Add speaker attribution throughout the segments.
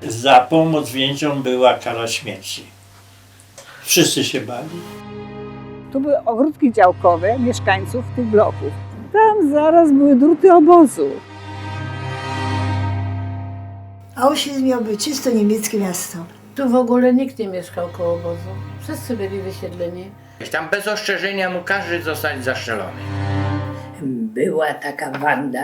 Speaker 1: Za pomoc więźniom była kara śmierci. Wszyscy się bali.
Speaker 2: Tu były ogródki działkowe mieszkańców tych bloków. Tam zaraz były druty obozu.
Speaker 3: Auschwitz miał być czysto niemieckie miasto.
Speaker 4: Tu w ogóle nikt nie mieszkał koło obozu. Wszyscy byli wysiedleni.
Speaker 5: Tam bez ostrzeżenia mógł każdy zostać zastrzelony.
Speaker 6: Była taka Wanda,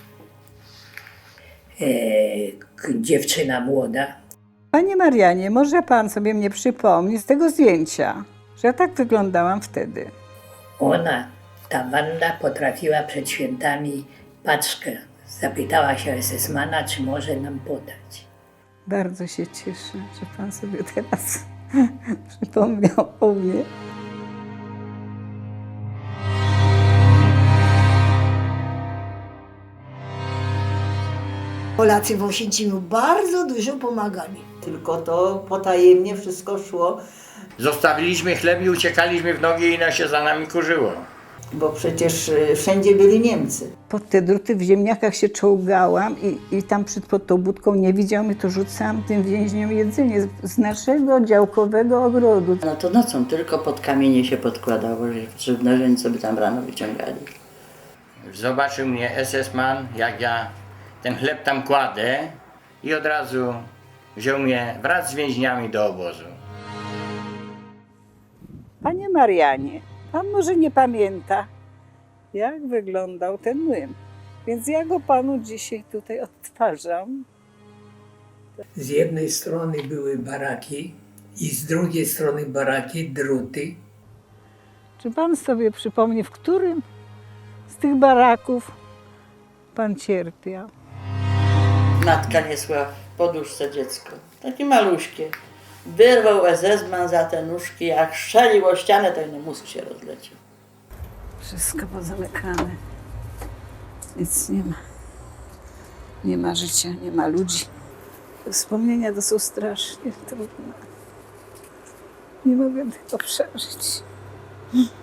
Speaker 6: dziewczyna młoda.
Speaker 2: Panie Marianie, może pan sobie mnie przypomni z tego zdjęcia, że ja tak wyglądałam wtedy.
Speaker 6: Ona, ta Wanda, potrafiła przed świętami paczkę. Zapytała się SS-mana, czy może nam podać.
Speaker 2: Bardzo się cieszę, że pan sobie teraz przypomniał o mnie.
Speaker 3: Polacy w Oświęcimiu bardzo dużo pomagali.
Speaker 7: Tylko to potajemnie wszystko szło,
Speaker 5: Zostawiliśmy chleb i uciekaliśmy w nogi i ona się za nami kurzyło.
Speaker 7: bo przecież wszędzie byli Niemcy.
Speaker 2: Pod te druty w ziemniakach się czołgałam i tam pod tą budką nie widział mnie, to rzucałam tym więźniom jedzenie z naszego działkowego ogrodu.
Speaker 8: No to nocą tylko pod kamienie się podkładało, żeby narzędzie sobie tam rano wyciągali.
Speaker 5: Zobaczył mnie SS-man, jak ja ten chleb tam kładę i od razu wziął mnie wraz z więźniami do obozu.
Speaker 2: Panie Marianie, pan może nie pamięta, jak wyglądał ten młyn. Więc ja go panu dzisiaj tutaj odtwarzam.
Speaker 6: Z jednej strony były baraki i z drugiej strony baraki, druty.
Speaker 2: Czy pan sobie przypomni, w którym z tych baraków pan cierpiał?
Speaker 8: Matka niesła w poduszce dziecko, takie maluśkie. Wyrwał SS-man za te nóżki, jak strzelił o ścianę, to inny mózg się rozleciał.
Speaker 2: Wszystko pozamykane. Nic nie ma. Nie ma życia, nie ma ludzi. Te wspomnienia to są strasznie trudne. Nie mogę tego przeżyć.